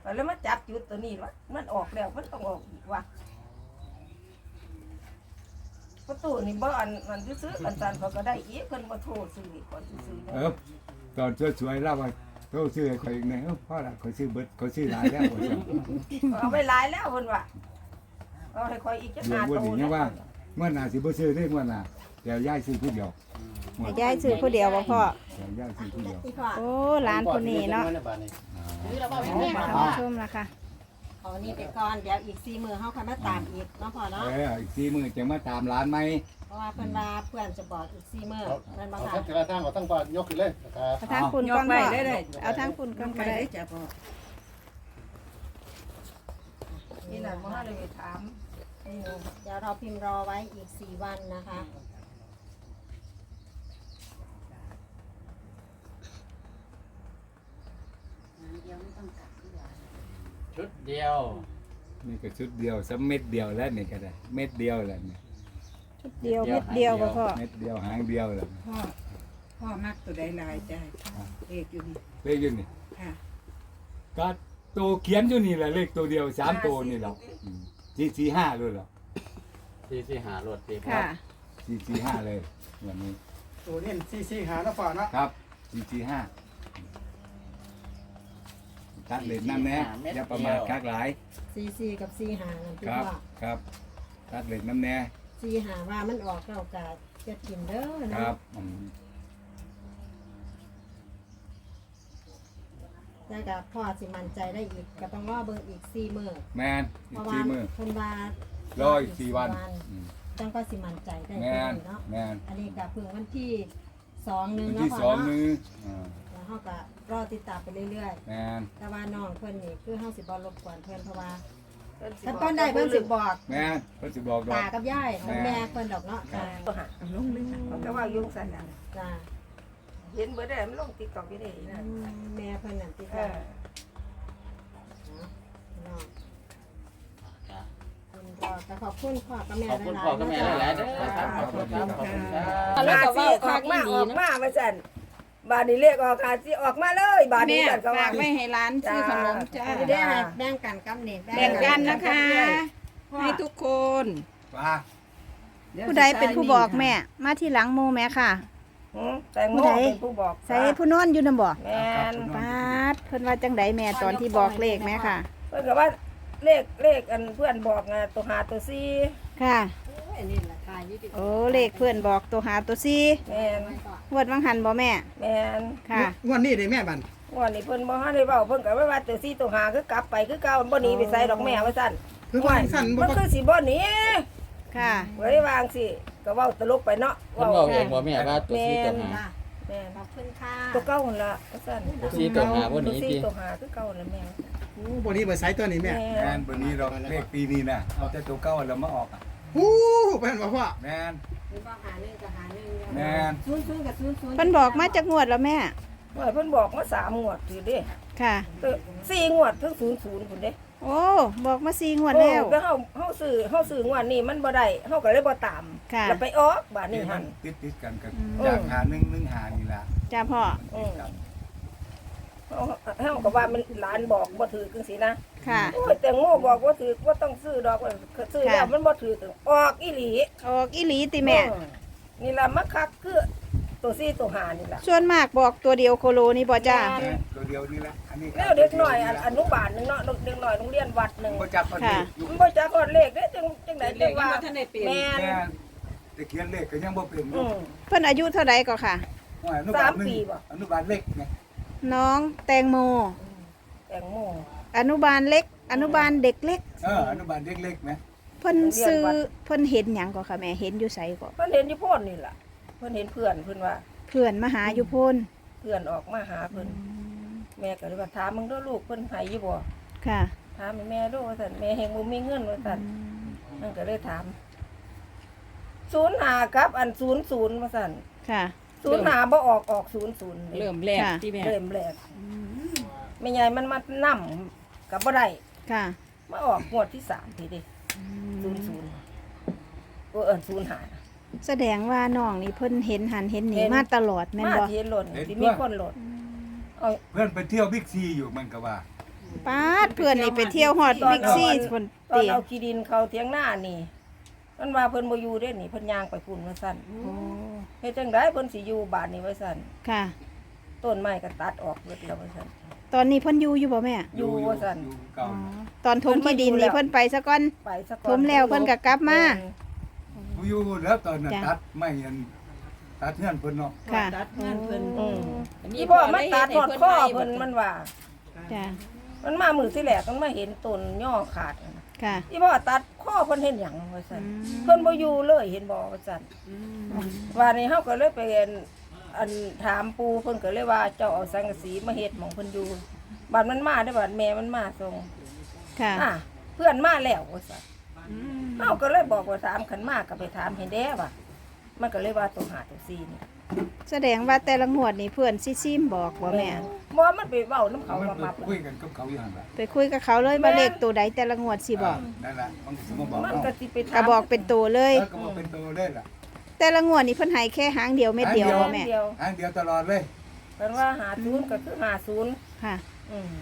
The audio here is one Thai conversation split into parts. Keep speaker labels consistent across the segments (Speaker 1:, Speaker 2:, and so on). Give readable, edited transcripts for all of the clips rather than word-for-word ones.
Speaker 1: แล้วมาจับจุดตัวนี้วะมันออกแล้วมันต้องออกอีกว่ะประตูนี่บ่อันมันซื้อกันซันเขาก็ได้อีกเพิ่นบ่โทรซื้ออีกก่อนซื้อ
Speaker 2: ตอนสวยๆแล้วว่าโทรซื้อให้ข่อยอีกแน่พ่อละข่อยซื้อเบิดข่อยซื้อหลายแล้วว่าซั่น
Speaker 1: เอาไปหลายแล้วเพิ่นว่าเอาให้ข่อยอีกจัก5โตนี่ว่า
Speaker 2: เมื่อหน้าสิบ่ซื้อได้เมื่อหน้าเดี๋ยวยายซื้อผู้เดียว
Speaker 3: ให้ยายซื้อผู้เดียวบ่พ่อ
Speaker 2: เดี๋ยวยายซื้อผู้เดียว
Speaker 3: โอ้หลานคนนี้เนาะ
Speaker 4: ซื้อแล้วบ่
Speaker 3: ท่าน
Speaker 4: แม่
Speaker 3: ผู้ชมล่ะค่ะ
Speaker 5: เอานี่ไปก่อนเดี๋ยวอีก4มื้อเฮาค่อยมาตามอีกเนาะพ่อเนาะ
Speaker 2: อีก4มื้อจะมาตามร้านไหม
Speaker 5: เพราะว่าเพิ่นว่าเพื่อนจะบอกอีก4มื้อเพิ่นบ่
Speaker 6: เอา
Speaker 5: ค่ะ
Speaker 6: ทั้งกระทั่งเอาทั้งปายกขึ้นเลยนะครับ
Speaker 3: เอาทางคุณก่อนพ่อเอาทางคุณก่อนก็ได้
Speaker 1: จ้ะพ่อนี่น่ะบ่ได้ไปถาม
Speaker 5: เดี๋ยวเราพิมพ์รอไว้อีก4วันนะคะ
Speaker 4: ชุดเดียว
Speaker 2: นี่ก็ชุดเดียวสักเม็ดเดียวแล้วนี่ก็ได้เม็ดเดียวแล้วนี่
Speaker 3: ชุดเดียวเม็ดเดียวบ่พ่อ
Speaker 2: เม็ดเดียวหางเดียวแล้ว
Speaker 7: พ่อมักตัวใดลายจ้ะเลขอยู่นี่
Speaker 2: เลขอยู่นี่
Speaker 7: ค่ะ
Speaker 2: ก็ตัวเขียนอยู่นี่แหละเลขตัวเดียว3ตัวนี่แหละ445เลยเหรอ
Speaker 4: ที่หารถที่
Speaker 3: ค่ะ
Speaker 2: 445เลยวันนี้
Speaker 6: ตัวนี้ซี่หานะฝ่านะครับ
Speaker 2: 445ตัดเลนนั่นแน่อย่าประมาทคักหลาย
Speaker 5: 44กับ45นั่นพี่
Speaker 2: ครับ
Speaker 5: พ่อ
Speaker 2: ครับตัดเลนน้ำแน่
Speaker 5: 45ว่ามันออกแล้วก็จะกินเด้อ
Speaker 2: ค
Speaker 5: เนาะ
Speaker 2: รับ
Speaker 5: แต่ก็พ่อสิมั่นใจได้อีกก็ต้องรอเบิ่งอีก4มื้อ
Speaker 2: แมน
Speaker 5: เพ
Speaker 2: อีก
Speaker 5: ราะว่า
Speaker 2: 4มื้อ
Speaker 5: เพิ่นว่าร
Speaker 2: ออีก4วัน
Speaker 5: จังก็สิมั่นใจได้
Speaker 2: แม
Speaker 5: เพิ่
Speaker 2: น
Speaker 5: นเนาะ
Speaker 2: แมน
Speaker 5: อันนี้ก็เพิ่งวันที่2นึง
Speaker 2: วัน
Speaker 5: เนาะ
Speaker 2: ที่
Speaker 5: พ่อ
Speaker 2: 2
Speaker 5: เนาะ
Speaker 2: มื้อ
Speaker 5: แล้วเฮาก็รอติดตามไปเรื่อย
Speaker 2: แมน
Speaker 5: ๆ แต่ว่าน้องเพิ่นนี่คือเฮาสิบ่รบกวนเพิ่นเพราะว่า
Speaker 1: เพิ่นสิ
Speaker 5: ถ้าเพิ่นได้เพิ่นสิบอก
Speaker 2: แมนเพิ่นสิบอกดอก
Speaker 5: ตากับยายของแม่เพิ่นดอกเนาะจ้า
Speaker 1: บ่หา
Speaker 7: เอาลงเลยค่ะ
Speaker 1: เขาก็ว่ายุ่งสั่นน่ะ
Speaker 5: จ้า
Speaker 1: เห็นเบิดได้มันลง TikTok อยู่ได้นะ
Speaker 5: แม่เพิ่นนั่นติด
Speaker 1: เอ
Speaker 5: ต่อ
Speaker 1: อ
Speaker 5: แต่ขอบคุณพ่อกับแม่
Speaker 4: ขอบคุณพ่อกับแม่หลายๆเด้อครับขอบคุณครับขอบคุณครับ
Speaker 1: แล้วก็ว่าออกมาว่าซั่นบาดนี้เรียกออกค่ะสิออกมาเลยบาดนี้
Speaker 3: แม่
Speaker 1: ซั่นก็
Speaker 3: ฝา
Speaker 1: ว่า
Speaker 3: กไว้ให้ร้านซื้อขนมจ้า
Speaker 5: ได้ให้แบ่งกันกับนี่
Speaker 3: แบ่งกันนะคะ ให้ทุกคน
Speaker 2: ว่า
Speaker 3: ผู้ใดเป็นผู้บอกแม่ มาที่หลังโมแม่ค่ะ
Speaker 1: แตงโมเป็นผู้บอก
Speaker 3: ใส่ผู้นอนอยู่นำบ่
Speaker 1: แม่น
Speaker 3: ปาดเพิ่นว่าจังไดแม่ตอนที่บอกเลขแม่ค่ะ
Speaker 1: เพิ่นก็ว่าเลขอันเพื่อนบอกไงตัว5ตัว4
Speaker 3: ค่ะ
Speaker 5: อันนี้ล่ะค่ะยี่สิบ
Speaker 3: โอ้เลขเพื่อนบอกตัวหาตัวซี
Speaker 1: แม่น
Speaker 3: งวดวังหันบ่แม่
Speaker 1: แม่น
Speaker 3: ค่ะ
Speaker 6: วันนี้ได้แม่บัน
Speaker 1: วันนี้เพิ่นบ่ทันได้เว้าเพิ่นก็ว่าตัว4ตัว5คือกลับไปคือเก่าบ่หนีไปไสดอกแม่ว่าซั่น
Speaker 6: คือว่าสั่นบ่
Speaker 1: มันคือสิบ่หนี
Speaker 3: ค่ะ
Speaker 1: ไว้วางสิก็เว้าตลกไปเนาะ
Speaker 4: เพิ่นบอกเองบ่แม่ว่าตัวซีตัวหา
Speaker 1: แม่น
Speaker 5: ขอบคุณค่ะ
Speaker 1: ตัวเก่าหั่นล่ะว่าซั่น
Speaker 4: ตัวซีตัวหาบ่ห
Speaker 1: ตัว
Speaker 4: นี
Speaker 1: 4
Speaker 4: ติ
Speaker 1: ตัว5คือเก่านั่นแม่
Speaker 6: โอ้บ่นี้เบอร์ไซต์ตัวนี้แม่
Speaker 2: แมนวันนี้เราเลขปีนี้นะเอาแต่ตัวเก่าแล้วมาออกอ่ะ
Speaker 6: ฮู้เป็นบ่พ่อ
Speaker 2: แมน
Speaker 5: คือว่าหา1กับหา1
Speaker 2: แมน
Speaker 5: 00กับ00
Speaker 3: เพิ่นบอกมาจากงวดแล้วแม่
Speaker 1: เพิ่นบอกมา3งวดอยู่เด้
Speaker 3: ค่ะ
Speaker 1: 4งวดถึง00พุ่นเด้
Speaker 3: โอ้บอกมา4งวดแล้ว
Speaker 1: ก็เฮาซื้องวดนี้มันบ่ได้เฮาก็เลยบ่ตาม
Speaker 3: ค่ะ
Speaker 1: แล้วไปออกบาดนี้
Speaker 2: มั
Speaker 1: หั่
Speaker 2: น
Speaker 1: น
Speaker 2: ติดกันกับจากหา1หานี่ล่ะ
Speaker 3: จ้าพ่อ
Speaker 1: เฮาก็ว่ามันหลานบอกบ่ถือจังซี่นะ
Speaker 3: ค่ะ
Speaker 1: โอ้ยแต่งโมบอกว่าถือว่าต้องซื้อดอกว่าซื้อแล้วมันบ่ถือออกอีหลี
Speaker 3: ออกอีหลีติแม่
Speaker 1: นี่ล่ะมักคักคือตัว4ตัว5นี่ล่ะ
Speaker 3: ส่วนมากบอกตัวเดียวโคโลนี่บ่จ้า
Speaker 2: ตัวเดียวนี่แหละอันนี้
Speaker 1: แล้วเด็กน้อยอนุบาลนึงเนาะเด็กน้อยโรงเรียนวัดนึง
Speaker 2: บ่จักคนนี้อยู่
Speaker 1: มันบ่จักฮอดเลขเด้จังได๋จังว่าแม่น
Speaker 2: แม่นแต่เขียนเลขก็ยังบ่เป็นอ
Speaker 1: อื
Speaker 2: ยู่
Speaker 1: ม
Speaker 3: เพิ่นอายุเท่าใดก็ค่ะ
Speaker 2: อนุบาล
Speaker 1: 3 ปีบ่
Speaker 2: อนุบาลเล็กไง
Speaker 3: น้องแตงโม
Speaker 1: แตงโม
Speaker 3: อนุบาลเล็ก อนุบาลเด็กเล็ก
Speaker 2: อนุบาลเล็กๆไหม
Speaker 3: เพิ่นซื้อเพิ่นเห็นหยังก็ค่ะแม่เห็นอยู่ไสก็
Speaker 1: เพิ่นเห็นอยู่โพ่นนี่ล่ะเพิ่นเห็นเพื่อนเพิ่นว่า
Speaker 3: เพื่อนมาหาอยู่พุ่น
Speaker 1: เพื่อนออกมาหาเพิ่นแม่ก็เลยว่าถามมึงเด้อลูกเพิ่นให้อยู่บ่
Speaker 3: ค่ะ
Speaker 1: ถามแม่ดูว่าซั่นแม่เฮงบ่มีเงินว่าซั่นนั่นก็เลยถาม05ครับอัน00ว่าซั่น
Speaker 3: ค่ะ
Speaker 1: 05บ่ออก00
Speaker 7: เริ่มแรก
Speaker 3: ค่ะ
Speaker 7: ที่แม่
Speaker 1: เริ่มแรกแม่ใหญ่มันมานํก็บ่ได้
Speaker 3: ค่ะ
Speaker 1: มาออกงวดที่3ทีเด้0005
Speaker 3: แสดงว่าน้องนี่เพิ่นเห็นหันเห็นนี่
Speaker 1: เห็น
Speaker 3: มาตลอดแม่น
Speaker 1: มา
Speaker 3: บ่
Speaker 1: ที่หล่นที่มีคนหล่นเอา
Speaker 2: เพื่อนไปเที่ยวบิ๊กซีอยู่มันก็ว่า
Speaker 3: ป้าดเพื่อนนี่ไปเที่ยวฮอดบิ๊กซี่คน
Speaker 1: ตอน
Speaker 3: ติ
Speaker 1: เอาขี้ดินเขาเถียงหน้านี่มันว่าเพิ่นบ่อยู่เด้นี่เพิ่นย่างไปพุ่นว่าซั่น
Speaker 3: โอ้
Speaker 1: เฮ็ดจังไดเพิ่นสิอยู่บ้านนี่ว่าซั่น
Speaker 3: ค่ะ
Speaker 1: ต้นไม้ก็ตัดออกเบิดแล้วว่าซั่น
Speaker 3: ตอนนี้เพิ่นอยู่อยู่บ่แม่
Speaker 1: อยู่ว่าซั่น
Speaker 2: อยู่เก่า
Speaker 3: ตอนถมที่ดินนี่เพิ่นไปซะก่อน
Speaker 1: ไปซะก่อน
Speaker 3: ถมแล้วเพิ่นก็กลับมา
Speaker 2: อยู่แล้วตอนนั้น
Speaker 3: จ้ะ
Speaker 2: ตัดไม่เห็นตัดเงื่อนเพิ่นเนาะ
Speaker 3: ค่ะ
Speaker 7: ตัดงานเพิ่น
Speaker 1: อืมอีพ่อมาตัดทอดข้อเพิ่นมันว่า
Speaker 3: จ้ะ
Speaker 1: มันมามือที่แรกมันมาเห็นต้นย่อขาดนั่นน่ะ
Speaker 3: ค่ะ
Speaker 1: อีพ่อตัดข้อเพิ่นเห็นหยังว่าซั่น
Speaker 3: อืม
Speaker 1: เพิ่นบ่อยู่เลยเห็นบ่ว่าซั่นว่านี่เฮาก็เลยไปอันถามปู่เพิ่นก็เลยว่าเจ้าเอาสังกะสีมาเฮ็ดหม่องเพิ่นอยู่บัดมันมาได้อบัดแม่มันมาส่ง
Speaker 3: ค่ะ
Speaker 1: เพื่อนมาแล้วว่าซั่นเฮาก็เลยบอกว่าถามขันมาก็ไปถามให้แด้ว่ามันก็เลยว่าตัว5ตัว4นี่
Speaker 3: แสดงว่าแต่ละงวดนี่เพื่อนซิมบอกบ่แม่
Speaker 1: บ่มันไปเว้านํเขา
Speaker 2: มัน
Speaker 1: ว่ามา
Speaker 2: ไปคุยกันกับเขาอยู่หั่นล่ะ
Speaker 3: ไปคุยกับเขาเลยว่าเลขตัวใดแต่ละงวดสิบอก
Speaker 2: นั่นล่ะมันสิมาบอก
Speaker 1: มัน
Speaker 2: เอา
Speaker 1: ก็สิไปถาม
Speaker 3: ก็บอกเป็นตัวเลย
Speaker 2: ก็บอกเป็นตัวได้ล่ะ
Speaker 3: แต่ละงวดนี่เพิ่นให้แค่หางเดียวเม็ดเดียวบ่แม่
Speaker 1: เดียว
Speaker 2: อันเดียวตลอดเลย
Speaker 1: เพิ่นว่า50ก็คือ50
Speaker 3: ค่ะ
Speaker 1: อืม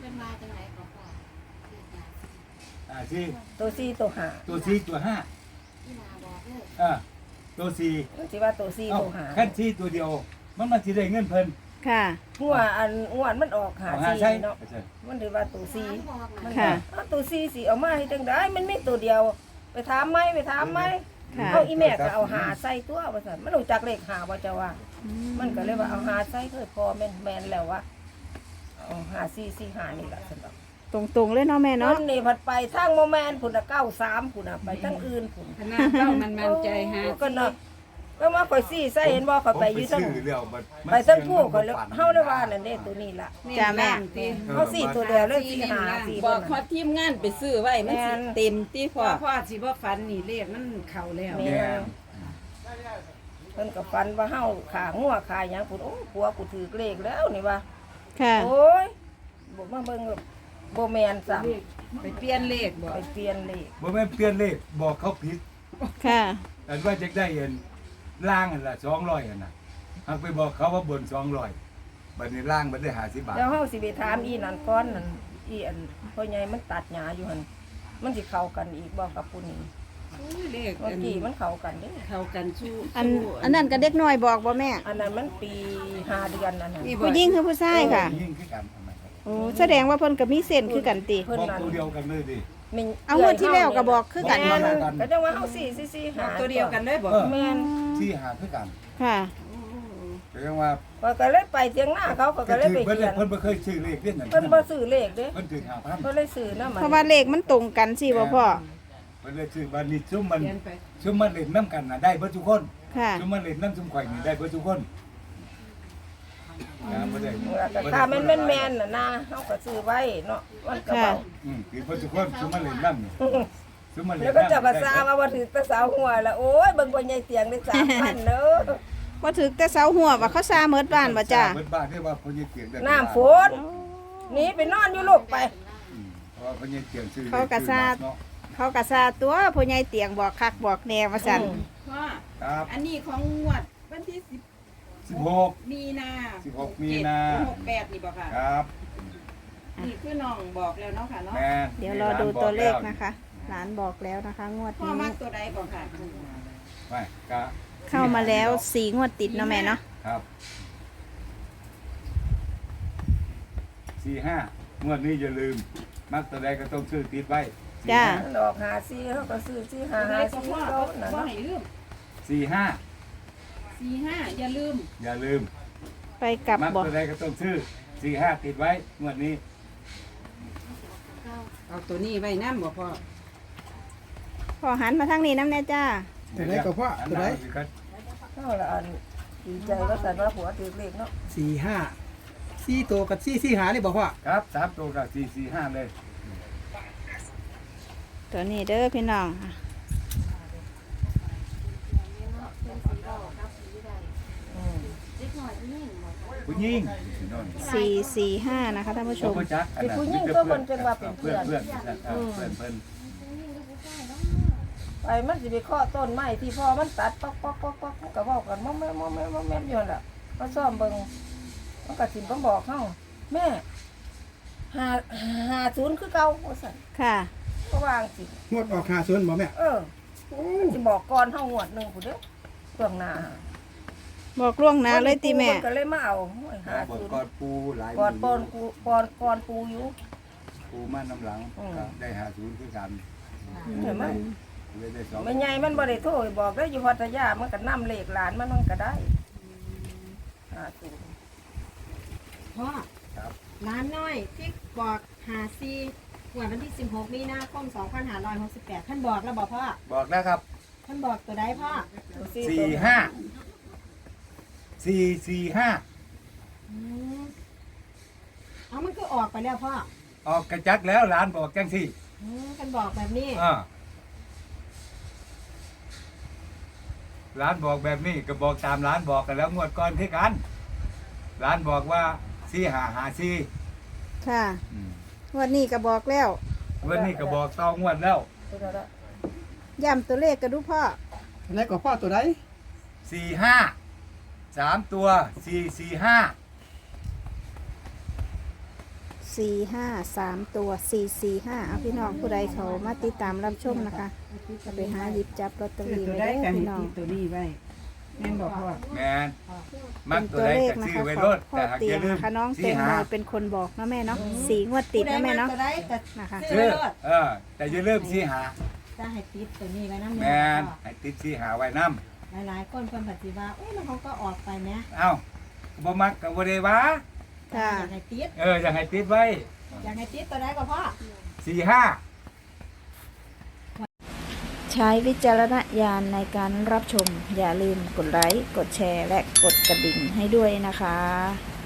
Speaker 2: ที่
Speaker 1: ตัว4ตัว5
Speaker 2: ตัว4ตัว5ตัว4
Speaker 1: มันสิว่าตัว4
Speaker 2: เอ้า
Speaker 1: ตัว5
Speaker 2: ขั้น4ตัวเดียวมันสิได้เงินเพิ่น
Speaker 3: ค่ะ
Speaker 1: หัวอันอ้วนมันออกหา
Speaker 2: เอาหา
Speaker 1: ซี
Speaker 2: ใช่
Speaker 1: เนาะมันถือว่าตัวซีมัน
Speaker 3: ค่ะ
Speaker 1: เอาตัวซีสิเอามาให้จังได้มันมีตัวเดียว ไปถามไหมไปถามไหม
Speaker 3: ค่ะ
Speaker 1: เอาอีแม่ก็เอาหาใส่ตัวว่าซั่นมันรู้จักเลขหาว่าจะว่า มันก็เลยว่าเอาหาใส่เคยพอแม่นแล้วว่าเอาหาซีหานี่ล่ะซั่นดอก
Speaker 3: ตรงๆเลยเนาะแม่
Speaker 1: น
Speaker 3: เนาะ
Speaker 1: นี่ผัดไปทางโมแมนพุ่นน่ะ93พุ่นน่ะไปทางอื่นพุ่น
Speaker 7: ขนาดเจ้ามันมั่นใจหา
Speaker 1: ก็เนาะแล้วมาข่อยซีใส่เห็นบ่ข่อยไปอยู่ทั้ง
Speaker 2: ซื้อแล้วมัน
Speaker 1: ไปทั้งผู้ข่อยเลยเฮาได้ว่านั่นเด้ตัวนี้ล่ะ
Speaker 3: จ้าแม่
Speaker 1: เขาสี่ตัวเดียวเลยสี่หาสี่
Speaker 8: บ
Speaker 1: ค
Speaker 8: อก
Speaker 1: น
Speaker 8: พอทีมงานไปซื้อไว้มันสิเต็มที่พ
Speaker 7: พ่
Speaker 8: อ
Speaker 7: อพ่อสิบ่ฝันนี่เลขมันเข้าแล้ว
Speaker 1: แม่เพิ่นกับฟันว่าเฮาขางัวขาหยังพุ่นโอ้ผัวกูถือเลขแล้วนี่ว่า
Speaker 3: ค่ะ
Speaker 1: โอ้ยบ่มาเบิ่งบ่แม่นซ้ำ
Speaker 7: ไปเปลี่ยนเลขบ่
Speaker 1: ไปเปลี่ยนเลข
Speaker 2: บ่แม่นเปลี่ยนเลขบอกเขาผิด
Speaker 3: ค่ะ
Speaker 2: อันว่าจะได้เห็นล่างอันละ200อันน่ะหักไปบอกเขาว่าบน200บัดนี้ล่างมันได้50บาท
Speaker 1: แล้วเฮาสิไปถามอีนั่นก่อนนั่นอีอันพ่อใหญ่มันตัดหญ้าอยู่หั่นมันสิเข้ากันอีกบ่กับผู้นี้
Speaker 7: เลข
Speaker 1: เมื่อกี้มันเข้ากันเด้
Speaker 7: เข้ากันสู้
Speaker 3: อันนั้นก็เด็กน้อยบอกบ่แม่
Speaker 1: อันนั้นมันปี5เดือนนั่นน่ะ
Speaker 3: ผู้หญิงคือผู้ชายค่ะ
Speaker 2: ยิ่งคือกันทำไมครับ
Speaker 3: โอ้แสดงว่าเพิ่นก็มีเส้นคือกันติ
Speaker 1: เพิ่น
Speaker 2: บอก
Speaker 1: นั่น
Speaker 2: ตัวเดียวกันเลยดิ
Speaker 3: เอางวดที่แล้วก็บอกคือกัน
Speaker 1: แม่
Speaker 3: บ่
Speaker 1: น
Speaker 3: ค่ะ
Speaker 1: ก็จังว่าเฮาสี่หา
Speaker 7: ตัวเดียวกันเลยบ่
Speaker 1: แม่น
Speaker 2: ที่หาคือกัน
Speaker 3: ค่ะ
Speaker 2: แปลว่า
Speaker 1: ก็เลยไปเถียงหน้าเขาก็เลยไป
Speaker 2: เพิ่น
Speaker 1: เขียน
Speaker 2: เพิ่นบ่เคยซื้อเลขเด้นั่น
Speaker 1: เพิ่นบ่ซื้อเลขเด้
Speaker 2: เพิ่นถึง5,000
Speaker 1: เพิ่นเลยซื้อนะมัน
Speaker 3: เพราะว่าเลขมันตรงกันสิบ่พ่อ
Speaker 2: เพิ่นเลยซื้อบัดนี้ซุมมัน
Speaker 7: เปลี่ยนไป
Speaker 2: ซุมมันเล่นน้ำกันน่ะได้เบิดทุกคน
Speaker 3: ค่ะ
Speaker 2: ซุมมันเล่นน้ำซุมข่อยนี่ได้เบิดทุกคนบ่ได้
Speaker 1: ก็ตาแม่นๆน่ะนะเฮาก็ซื้อไว้เนาะมันก็เบา
Speaker 2: คือเบิดทุกคนซุมมันเล่นน้ำนี่ซุมมันเล่น
Speaker 1: แล้ว
Speaker 2: น้ำ
Speaker 1: ก็เจ้าก็ซาว่าถือแตะสาวหัวละโอ้ยเบิ่งบ่ใหญ่เตียงได้3,000เด้อ
Speaker 3: บ่ถึกแต่เสาหัวว่าเขาซาเมิดบ้านบ่จ้า
Speaker 2: เบิดบ้านได้ว่าเพิ่นยังเกียงได้
Speaker 1: น้ำฝนหนีไปนอนอยู่ลูกไป
Speaker 2: เพราะว่าเพิ่นยังเกียงซื้อ
Speaker 3: เขาก็ซา
Speaker 2: เนาะ
Speaker 3: เขาก็ซาตัวผู้ใหญ่เตียงบอกคักบอกแนวว่าซั่น
Speaker 8: พ่อ
Speaker 2: ครับ
Speaker 8: อันนี้ของงวดวันที่
Speaker 2: 16
Speaker 8: 10มีนา
Speaker 2: 16มีนา
Speaker 8: 68นี่บ่ค่ะ
Speaker 2: ครับ
Speaker 8: นี่คือน้องบอกแล้วเนาะค่ะเนาะ
Speaker 2: แม่
Speaker 3: เดี๋ยวรอดูตัวเลขนะคะหลานบอกแล้วนะคะ งวด
Speaker 8: พ่อ
Speaker 3: นี้
Speaker 8: มักตัวใดบ่ค่ะ
Speaker 2: ไปกะ
Speaker 3: เข้ามาแล้ว4งวดติดเนาะแม่เนาะ
Speaker 2: ครับ45งวดนี้อย่าลืม มักตัวใดก็ต้องซื้อติดไว้
Speaker 3: จ้า
Speaker 1: มันออกหาซีเขาก็ซื้อซีหา
Speaker 8: ตัวใด
Speaker 1: หา
Speaker 8: ก็
Speaker 1: ซี
Speaker 8: พ่อ
Speaker 1: เขาน่ะ
Speaker 8: บ่
Speaker 1: เนาะ
Speaker 8: ให้ลืม
Speaker 2: 45
Speaker 8: 45อย่าลืม
Speaker 2: อย่าลืม
Speaker 3: ไปกลับ
Speaker 2: มัก
Speaker 3: บอก
Speaker 2: ตัวใดก็ต้องซื้อ45ติดไว้งวดนี้
Speaker 7: เอาตัวนี้ไว้นำบ่พ่อ
Speaker 3: พอหันมาทางนี้น้ำแน่จ้า
Speaker 6: ตัวไหนก็พ่อตัวไหน
Speaker 1: เฮาละอันดีใจว่าซั่นว่าผัวถือเลขเนาะ
Speaker 6: 4 ตัวกับ4 หานี่บ่พ่อ
Speaker 2: ครับ3ตัวกับ445เลย
Speaker 3: ตัวนี้เด้อพี่น้อง
Speaker 2: ผู้หญิง
Speaker 3: 445นะคะท่านผู้ชม
Speaker 2: บ่จักอันนั้น
Speaker 1: ผู้หญิงก็มันจังว่าเป็นเพื่อน
Speaker 2: เพื่อนเพิ่น
Speaker 1: ไปมันสิไปเคาะต้นไม้ที่พ่อมันตัดป๊อกๆๆๆมันก็เว้ากันมอมแม่อยู่นั่นล่ะมาซ่อมเบิ่งมันก็สิมาบอกเฮาแม่ 50คือเก่าว่าซั่น
Speaker 3: ค่ะ
Speaker 1: ก็วางสิ
Speaker 6: งวดออก50บ่แม่
Speaker 1: เออสิบอกก่อนเฮางวดหนึงพุ่นเด้อเบื้องหน้า
Speaker 3: บอกล่วงหน้าเลยติแม่
Speaker 1: เพิ่นก็เลยมาเอาโอ้ย
Speaker 2: บนก้อนปูหลาย
Speaker 1: 50ก่อน
Speaker 2: ห
Speaker 1: ปอ
Speaker 2: มื่
Speaker 1: นปูก่อนปูอยู่
Speaker 2: ปูมาน้ำหลัง
Speaker 1: อืม
Speaker 2: ก็ได้50คือกัน
Speaker 1: เห็นไหม
Speaker 2: เลยได้สอง
Speaker 1: แม่ใหญ่มันบ่ได้โทรไปบอกได้ออยู่พัทยามันก็นำเลขหลานมันก็ได้50
Speaker 5: พ่อ
Speaker 2: ครับ
Speaker 5: ร้านน้อยที่บอกหาซีวันที่ 16 มีนาคม 2568ท่านบอกแล้วบอกพ่อ
Speaker 2: บอกแล้วครับ
Speaker 5: ท่านบอกตัวใดพ่อ
Speaker 2: 445
Speaker 5: อืมเอามันก็ออกไปแล้วพ่อ
Speaker 2: ออกกระจักแล้วหลานบอกจังซี่
Speaker 5: ท่านบอกแบบนี้
Speaker 2: หลานบอกแบบนี้ก็บอกตามหลานบอกกันแล้วงวดก่อนที่กันหลานบอกว่า4554
Speaker 3: ค่ะวันนี้ก็บอกแล้ว
Speaker 2: วันนี้ก็บอกต่องวดแล้ว
Speaker 3: ย้ำตัวเลขกันดูพ่อ
Speaker 6: ตัวไหนก็พ่อตัวใด
Speaker 2: 45 3 ตัว 445
Speaker 3: 453 ตัว 445เอาพี่น้องผู้ใดเขามาติดตามรับชมนะคะจะไปหาหยิบจับลอตเตอ
Speaker 7: ซื้อ
Speaker 3: รี่
Speaker 7: ตัว
Speaker 3: ไว้
Speaker 7: ใด
Speaker 3: ได้
Speaker 7: กัน
Speaker 3: พี่น้อง
Speaker 7: ที่ตัวนี้ไว้แม่นบอกพ่อ
Speaker 2: แมนมั
Speaker 3: เป็
Speaker 2: ก
Speaker 3: น
Speaker 2: ตั
Speaker 3: ตัว ว
Speaker 2: ใด
Speaker 3: เลข
Speaker 2: ก็
Speaker 3: นะ
Speaker 2: ซื้อ
Speaker 3: คะ
Speaker 2: ไว้
Speaker 3: ข
Speaker 2: ร
Speaker 3: อง
Speaker 2: ถ
Speaker 3: พ่อ
Speaker 2: แต่หาก
Speaker 3: เตี
Speaker 2: อย ย่าง ลืม
Speaker 3: นะคะน้องเต็งโมยเป็นคนบอกนะแม่เนาะ4 งวดติดนะแม่เนาะ
Speaker 5: ตัวใดแต่
Speaker 3: นะคะ
Speaker 5: ซื้อ
Speaker 2: ซื้อ
Speaker 5: ไว้รถ
Speaker 2: แต่อย่าลืม45
Speaker 5: จะให้ติดตัวนี้ไว้น้ำ
Speaker 2: แมนให้ติด45ไว้นำ
Speaker 5: หลายๆคนคนปฏิบัติเอ้ยมันเขาก็ออกไปไหม
Speaker 2: เอ้าบ่มักก็บ่ได้ว่า
Speaker 3: ค่ะ
Speaker 5: อยากให้ติด
Speaker 2: อยากให้ติดไว้
Speaker 5: อยากให้ติดตัวใดก็พ่อ
Speaker 2: 45
Speaker 3: ใช้วิจารณญาณในการรับชม อย่าลืมกดไลค์ กดแชร์ และกดกระดิ่งให้ด้วยนะคะ